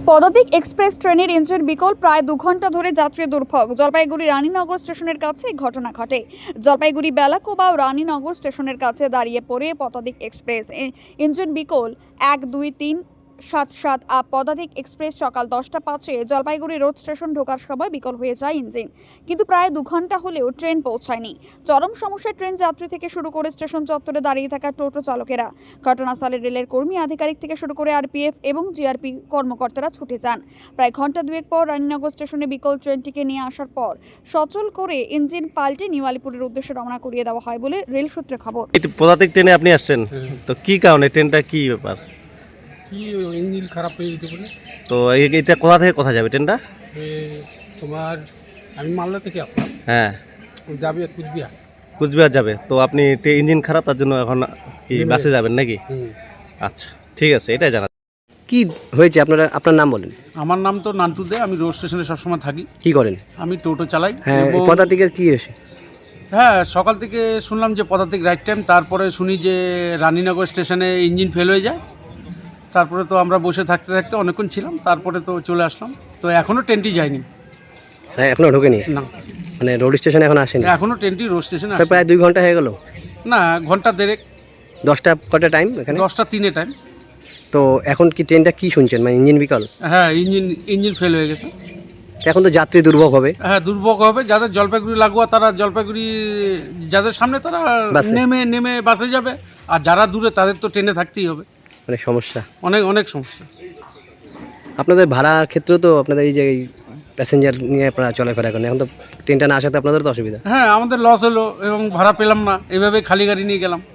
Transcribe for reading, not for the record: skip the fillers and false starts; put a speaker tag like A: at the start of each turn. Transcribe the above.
A: পদাতিক এক্সপ্রেস ট্রেনের ইঞ্জিন বিকল, প্রায় 2 ঘন্টা ধরে যাত্রী দুর্ভোগ। জলপাইগুড়ি রানীনগর স্টেশনের কাছে এই ঘটনা ঘটে। জলপাইগুড়ি বেলাকোবা ও রানীনগর স্টেশনের কাছে দাঁড়িয়ে পড়ে পদাতিক এক্সপ্রেস। ইঞ্জিন বিকল 1, 2, 3, 7, 7 পদাতিক এক্সপ্রেস সকাল 10টা 5-এ জলপাইগুড়ি রোড স্টেশন ঢোকার সময় বিকল হয়ে যায় ইঞ্জিন, কিন্তু প্রায় 2 ঘন্টা হলেও ট্রেন পৌঁছায়নি। চরম সমস্যায় ট্রেন যাত্রী থেকে শুরু করে স্টেশন চত্বরে দাঁড়িয়ে থাকা টোটো চালকেরা। ঘটনাস্থলে রেলের কর্মী আধিকারিক থেকে শুরু করে আরপিএফ এবং জিআরপি কর্মকর্তারা ছুটে যান। প্রায় ঘন্টা দুয়েক পর রানীনগর স্টেশনে বিকল ট্রেনটিকে নিয়ে আসার পর সচল করে ইঞ্জিন পাল্টে নিউ আলিপুরের উদ্দেশ্যে রওনা করিয়ে দেওয়া হয় বলে রেল সূত্রে খবর।
B: পদাতিক ট্রেনে আপনি আসছেন, তো কি কারণে ট্রেনটা কি ব্যাপার?
C: কি ইঞ্জিন খারাপ হয়ে যেতে পারে।
B: তো এটা কোথা থেকে কোথা যাবে ট্রেনটা?
C: তোমার আমি মালদা থেকে আসলাম,
B: হ্যাঁ,
C: যাবে কুচবিহার।
B: কুচবিহার যাবে। তো আপনি ইঞ্জিন খারাপ, তার জন্য এখন কি বাসে যাবেন নাকি? আচ্ছা, ঠিক আছে, এটাই জানা।
D: কি হয়েছে আপনার নাম বলেন।
C: আমার নাম তো নান্টু দে, আমি রোড স্টেশনে সবসময় থাকি।
D: কি করেন?
C: আমি টোটো চালাই।
D: হ্যাঁ,
C: এবং
D: পদাতিকের কি হয়েছে?
C: হ্যাঁ, সকাল থেকে শুনলাম যে পদাতিক রাইট টাইম, তারপরে শুনি যে রানীনগর স্টেশনে ইঞ্জিন ফেল হয়ে যায়। তারপরে তো আমরা বসে থাকতে থাকতে অনেকক্ষণ ছিলাম, তারপরে তো চলে আসলাম। তো এখনও ট্রেনটি যায়নি।
D: হ্যাঁ, এখনো ঢোকেনি?
C: না,
D: মানে রোড স্টেশনে এখন আসেনি?
C: এখনও ট্রেনটি রোড স্টেশনে
D: তো প্রায় 2 ঘন্টা হয়ে গেল।
C: না, ঘন্টা দেড়েক।
D: 10টা কটা টাইম এখানে?
C: 10টা 3-এ টাইম।
D: তো এখন কি ট্রেনটা কি শুনছেন, মানে ইঞ্জিন বিকল?
C: হ্যাঁ, ইঞ্জিন ফেল হয়ে গেছে।
D: এখন তো যাত্রী দুর্ভোগ হবে।
C: হ্যাঁ, দুর্ভোগ হবে। যাদের জলপাইগুড়ি লাগোয়া তারা জলপাইগুড়ি, যাদের সামনে তারা
D: বাসে।
C: নেমে বাসে যাবে, আর যারা দূরে তাদের তো ট্রেনে থাকতেই হবে।
D: মানে সমস্যা,
C: অনেক সমস্যা।
D: আপনাদের ভাড়ার ক্ষেত্রেও তো আপনাদের এই যে প্যাসেঞ্জার নিয়ে আপনারা চলাফেরা করেন, এখন তো ট্রেনটা না আসাতে আপনাদের তো অসুবিধা।
C: হ্যাঁ, আমাদের লস হলো এবং ভাড়া পেলাম না, এভাবে খালি গাড়ি নিয়ে গেলাম।